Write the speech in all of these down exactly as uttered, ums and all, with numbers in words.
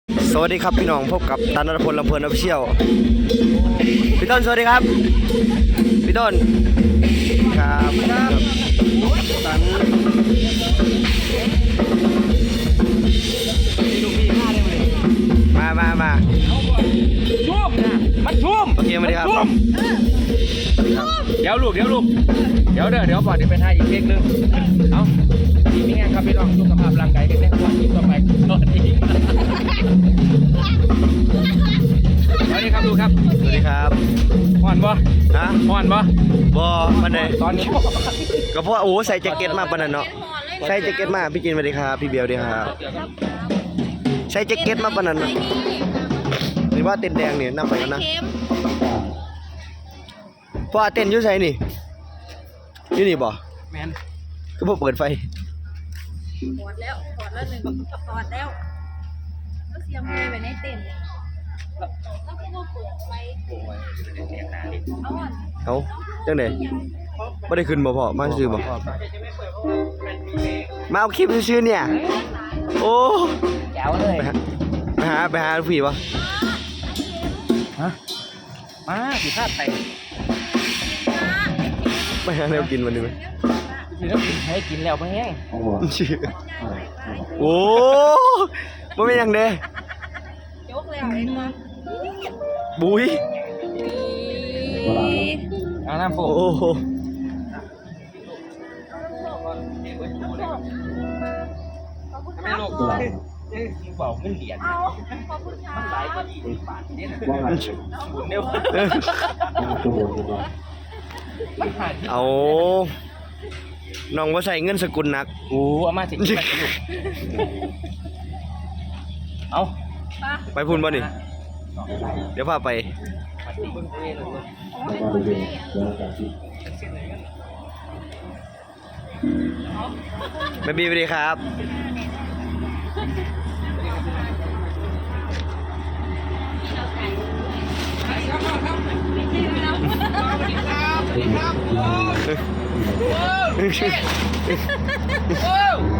สวัสดีครับพี่น้องพบกับตันณัฐพลลำเพลินออฟฟิเชียลพี่ต้นสวัสดีครับพี่ต้นครับครับตันมามามาชุ่มนะมันชุ่มโอเคมาดีครับเดี๋ยวลูกเดี๋ยวลูกเดี๋ยวเด้อเดี๋ยวก่อนเดี๋ยวไปถ่ายอีกเพลงนึงเอาทีนี้ไงครับพี่น้องสุขภาพร่างกายกันแน่ก่อนที่ต่อไปสวัสดีสวัสดีครับลูกครับสวัสดีครับห่อนบ่ฮะห่อนบ่บอปันไหนตอนนี้ก็เพราะโอ้ใส่แจ็คเก็ตมาปันนั้นเนาะใส่แจ็คเก็ตมาพี่จินสวัสดีครับพี่เบลดีครับใส่แจ็คเก็ตมาปันนั้นหรือว่าเต้นแดงเนี่ยนั่งไปกันนะเพราะว่าเต้นยุ่ใส่นี่อยู่นี่บ่แมนก็บ่เปิดไฟถอดแล้วถอดแล้วหนึ่งถอดแล้วก็เสียงเพลงไปในเต็นท์แล้วก็มาเปิดไฟเอาอ่ะเอาจังได๋บ่ได้ขึ้นบ่พ่อมาซื้อบ่มาเอาคลิปซื้อเนี่ยโอ้แจ๋วเลยไปหาไปหาไปหาพี่บ่ฮะมาสิพลาดไปไปหาแนวกินวันนี้มั้ยสิแล้วกินให้กินแล้วบ่แห้งโอ้บ่แม่นหยังเด้ยกเลยอ่ะเองมาบุ้ยเอาน้ำโฟโอ้โหไม่ลูกเบาเงินเหรียญเอาขอบคุณค่ะมันหลายกว่ายี่สิบบาทเนี่ยนะบุญเดียวมันหายเอาน้องบ่ใส่เงินสกุลหนักโอ้เอามาสิเอาไปพุ่นบ่นี่เดี๋ยวพาไปแม่บีสวัสดีครับโอ้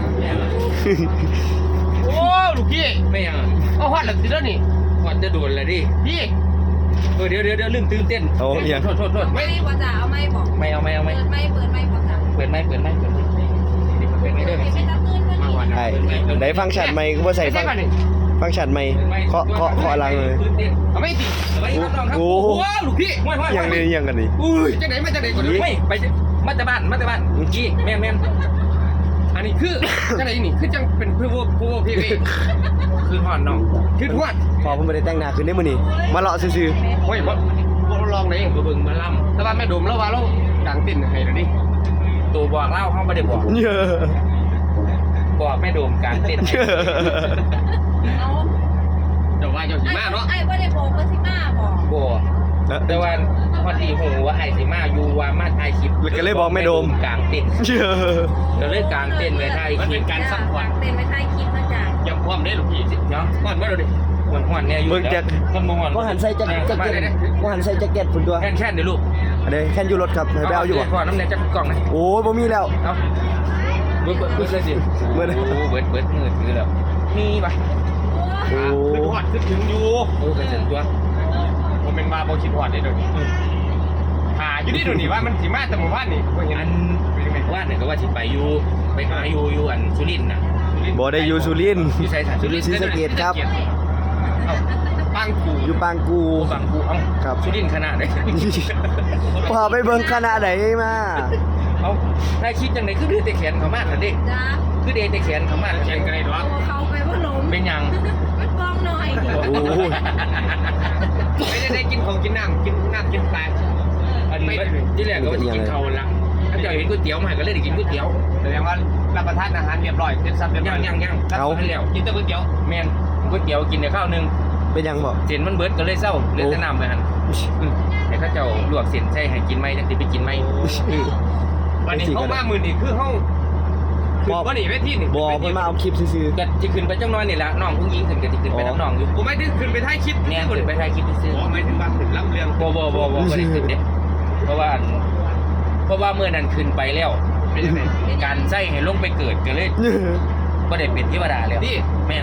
โอ้ลูกพี่ไม่ยังเอาหอดหลังสิแล้วนี่หอดจะโดนเลยดิพี่เออเดี๋ยวเดี๋ยวเดี๋ยวลืมตื่นเต้นโอ้ยังโทษโทษโทษไม่พอจ่าเอาไม่บอกไม่เอาไม่เอาไม่เปิดไม่เปิดไม่พอจ่าเปิดไม่เปิดไม่เปิดไม่เปิดไม่เด้อไม่ตัดตื่นก็มาดีวันใช่ได้ฟังก์ชันใหม่ก็บ่ใส่ฟังฟังก์ชันใหม่เคาะเคาะเคาะหลังเลยเอาไม่ติดเอาไว้ครับน้องครับโอ้โอ้ลูกพี่ห้วยห้วยยังนี่ยังกันนี่อุ้ยจังไหนมาจังไหนก่อนไม่ไปมาแต่บ้านมาแต่บ้านกี้แม่นแม่นอันนี้คือจังไหนนี่คือจังเป็นเพื่อพวกพวกพี่คือหอนน้องคือทวดพอผมไม่ได้แต่งหน้าขึ้นได้มื้อนี้มาเลาะซื่อเฮ้ยบ่บ่ลองเลยบ่เบิ่งมาล่ำแต่ว่าแม่ดมแล้วว่าเราดังติ่นให้แล้วนี่ตัวบอกเล่าเฮาบ่ได้บอกๆเยอะบอกแม่ดมกลางเต้นเยอะเอาแต่ว่าเจ้าสิมาเนาะไอ้บ่ได้บอกว่าสิมาบอกบ่แต่ว่าพอดีหูว่าไอ้สิมาอยู่ว่ามาถ่ายคลิปกลางเต้นเยอะก็เลยกลางเต้นไว้ถ่ายคลิปการซัพพอร์ตเต็นไปท้ายคลิปนะจ๊ะยังพร้อมได้ลูกพี่เนาะฮ้อนบ่ดูดิฮ้อนๆเนี่ยอยู่เบิ่งแจ็คคนบ่ฮ้อนบ่หันใส่แจ็คแจ็คเก็ตบ่หันใส่แจ็คเก็ตพุ่นตัวแค่นๆเด้อลูกอันนี้แค่นอยู่รถครับให้ไปเอาอยู่บ่พอน้ำแน่จักกล่องนะโอ้ยบ่มีแล้วเอ้าเบิดเบิดเบิดเลยสิเบิดโอ้เบิดเบิดมืดคือแล้วมีป่ะโอ้คือหอดคือถึงอยู่โอ้เป็นเส้นตัวผมเป็นมาโบคิดหอดได้ด้วยหาอยู่ที่ดูนี่ว่ามันสีมาแต่หมู่บ้านนี่อันว่าเนี่ยก็ว่าสิไปอยู่ไปหาอยู่อยู่อันสุรินทร์น่ะบ่ได้อยู่สุรินทร์อยู่ไสสันสุรินทร์ศรีสะเกษครับเอ้าปางกูอยู่ปางกูปางกูเอ้าครับสุรินทร์ขนาดไหนพาไปเบิ่งคณะไหนมาเอ้าได้คิดจังไหนคือดื้อแต่แขนเขามากเหรอเด็กจ้าคือเดแต่แขนเขามากแขนกันเลยหรอโอ้เขาไปว่าลมเป็นยังมันกองหน่อยโอ้ยไม่ได้ได้กินของกินน้ำกินน้ำกินปลาอันนี้ที่แรกก็ว่าจะกินข้าวละถ้าเจ้าเห็นก๋วยเตี๋ยวมาก็เลยได้กินก๋วยเตี๋ยวแสดงว่ารับประทานอาหารเรียบร้อยเสร็จสับเรียบร้อยยังยังยังเอาแล้วกินแต่ก๋วยเตี๋ยวแม่นก๋วยเตี๋ยวกินแต่ข้าวนึงเป็นยังบ่เส้นมันเบิดก็เลยเศร้าเลยจะนำไปหันแต่ข้าเจ้าลวกเส้นใช่ให้กินไหมจังสิไปกินไหมวันนี้เขามามือนี่คือเขาคือวันนี้เวทีนี่บ่เพิ่นมาเอาคลิปซื่อก็จะขึ้นไปจังน้อยนี่ละน้องผู้หญิงขึ้นก็จะขึ้นไปน้ำน้องอยู่ผมไม่ถึงขึ้นไปถ่ายคลิปเนี่ยขึ้นไปถ่ายคลิปซื้อผมไม่ถึงว่าถึงรับเรื่องบ่บ่บ่บ่ไม่ได้ขึ้นเด้เพราะว่าเพราะว่าเมื่อนั้นขึ้นไปแล้วการใส่ให้ลงไปเกิดก็เลยๆบ่ได้เป็นเทวดาแล้วแม่น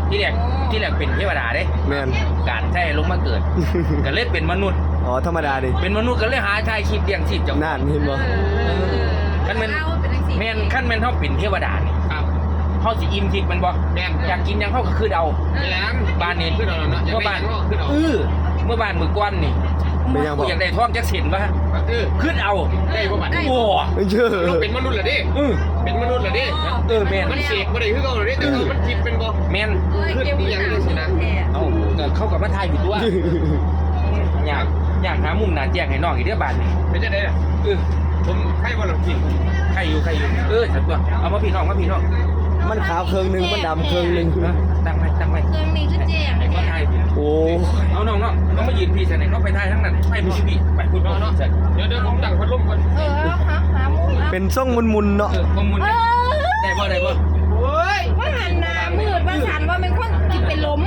ที่แรกที่แรกเป็นเทวดาเด้แมนการใช้ลงมาเกิด ก็เลยเป็นมนุษย์อ๋อธรรมดาดิเป็นมนุษย์ก็เลยหาชายชีพเลี้ยงชีพเจ้านั่นเห็นบ่คันแม่นเราเป็นจังซี่แม่นคันแม่นเฮาเป็นเทวดานี่ครับเฮาสิอิ่มทิพย์มันบ่แม่นอยากกินหยังเฮาก็คือเอาแม่นบ้านนี้คือเอาเนาะเมื่อบ้านเออเมื่อบ้านมื้อก่อนนี่เป็นยังบ่อยากได้ทองจักเส้นบ่เออคือเอาได้บ่บัดโอ้เยอะเป็นมนุษย์เหรอดิเออเป็นมนุษย์เหรอดิเออแม่นมันเสกบ่ได้คือเขาเหรอดิแต่ว่ามันจิตเป็นบ่แม่นขึ้นที่ยังเลยสินะเอ้าก็เข้ากับมาถ่ายอยู่ตัวอยากอยากหามุมหน้าแจ้งให้น้องอีกเด้อบ้านนี่เป็นจะได้ล่ะเออผมใครบ่หลงกินใครอยู่ใครอยู่เออฉันตัวเอามาพี่น้องมาพี่น้องมันขาวเครื่องหนึงมันดำเครื่องหนึงนะตั้งไว้ตั้งไว้เครื่องนี้คือแจ้งไอ้ก็ถ่ายอยู่โอ้เอาน้องเนาะน้องมายืนพี่ใส่ไหนน้องไปถ่ายทั้งนั้นไปพี่พี่ไปพูดน้องเนาะเดี๋ยวเดี๋ยวผมตั้งพัดลมก่อนเออหาหามุมเอาเป็นทรงมุนๆเนาะเออข้อมูลเออได้บ่ได้บ่โอ้ยว่าหันหน้ามืดว่าสันว่าเป็นคนจิตเป็นลม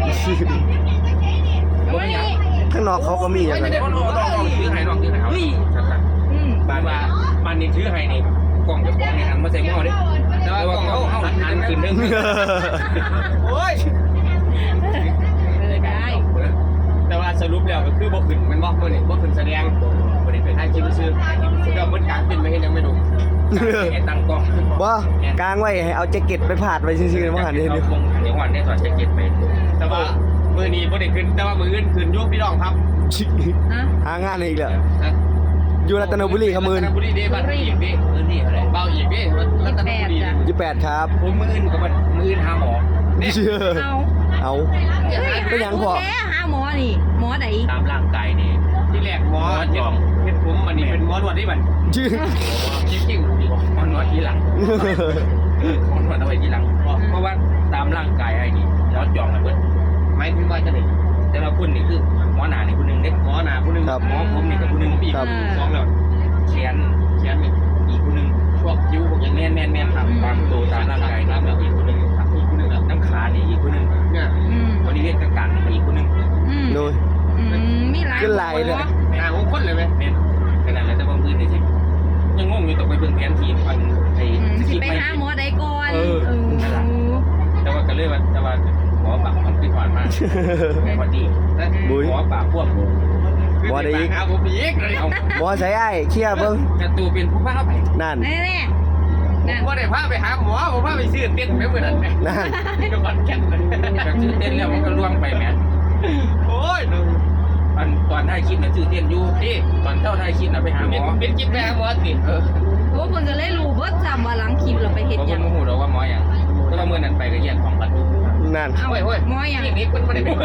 วันนี้ข้างนอกเขาก็มีอย่างไม่นั้นได้บ่น้องน้องถือให้น้องถือให้เอาชัดอืมๆบ้านว่าบ้านนี้ถือให้นี่กล่องจะกล่องนี่หันมาใส่หม้อดิแต่ว่ากล่องเขาเอาหันขึ้นเด้งโอ้ยเออได้แต่ว่าสรุปแล้วก็คือบ่ขึ้นมันบ่มื้อนี้บ่ขึ้นแสดงบ่ได้เป็นถ่ายคลิปซื่อๆก็มันกลางเป็นไม่เห็นยังไม่ดูไอ้ตั้งกล้องบ่กลางไว้ให้เอาแจ็คเก็ตไปผาดไว้ซื่อๆบ่หันเด้เอานี่วงเดี๋ยววันนี้ถอดแจ็คเก็ตไปแต่ว่ามื้อนี้บ่ได้ขึ้นแต่ว่ามื้ออื่นขึ้นอยู่พี่น้องครับนะหางานอีกแล้วนะอยู่รัตนบุรีครับมืนรัตนบุรีเด้บ้านอีกเด้เออนี่อะไรเบาอีกเด้รัตนบุรียี่สิบแปดครับผมมืออื่นกับมืออื่นหาหมอเชื่อเอาเอา เป็นหยังพอแค่หาหมอนี่หมอไหนตามร่างกายนี่ที่แรกหมอเฮ็ดเฮ็ดผมมันนี่เป็นหมอนวดที่มันชื่อจริงๆหมอนวดที่หลังหมอนวดเอาไว้ที่หลังเพราะว่าตามร่างกายไอ้นี่หมอจองมาเบิดหมายถึงว่าจะไหนแต่ละคนนี่คือหมอหนานี่คนนึงเด็กหมอหนาผู้หนึงหมอผมนี่กับคนนึงอีกสองแล้วแขนเขียนนี่อีกคนนึงพวกคิ้วพวกออย่างย่างนี้แม่นแม่นแม่นตามตัวตามร่างกายนี่อีกคนนึงอีกผู้หนึงอ่ะน้ำขานี่อีกคนนึงเนี่ยอืมบริเวณกลางๆนี่อีกคนนึงอืมโดยอืมมีหลายขึ้นหลายเลยหน้าของคนเลยไหมแม่นขนาดนั้นแต่บางพื้นนี่สิยังงงอยู่ต้องไปเบิ่งแผนที่มันไอ้อืมสสิกิปไปไม่หาหมอใดก่อนเออนั่นล่ะ แต่ว่าก็เลยว่าแต่ว่าหมอปากมันคือผ่านมาพอดีบุ้ยหมอปากพวกบ่ได้อีกเอาผมอีกเลยเอาบ่ใส่ไอ้ายเคลียร์เบิ่งกระตูเป็นผู้พาไปนั่นแน่แน่ผมนั่นว่าได้พาไปหาหมอผมพาไปซื้อเต้นไปเมื่อนั้นนั่นจังหวัดแก่นแบบชื่อเต้นแล้วมันก็ล่วงไปแม่โอ้ยอันตอนได้คลิปน่ะชื่อเต้นอยู่ที่ตอนเท่าได้คลิปน่ะไปหาหมเป็นอเป็นกินไปหาหมอสิเออโอ้เพิ่นก็เลยรู้เบิดจำว่าหลังคลิปเราไปเฮ็ดเพราะหคยันงโมโหเราว่าหมออย่างแต่ว่าเมื่อนั้นไปก็แยกของกันนั่นเอาโอ้ยโอ้ยหมอหยังนี่มันไม่ได้เป็น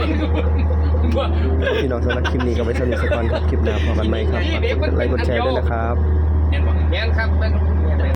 พี่น้องสำหรับคลิปนี้ก็ไปสนุกสักก่อนครับคลิปหน้าพบกันใหม่ครับฝากกดไลค์กดแชร์ด้วยนะครับเห็นบอกแม่นครับ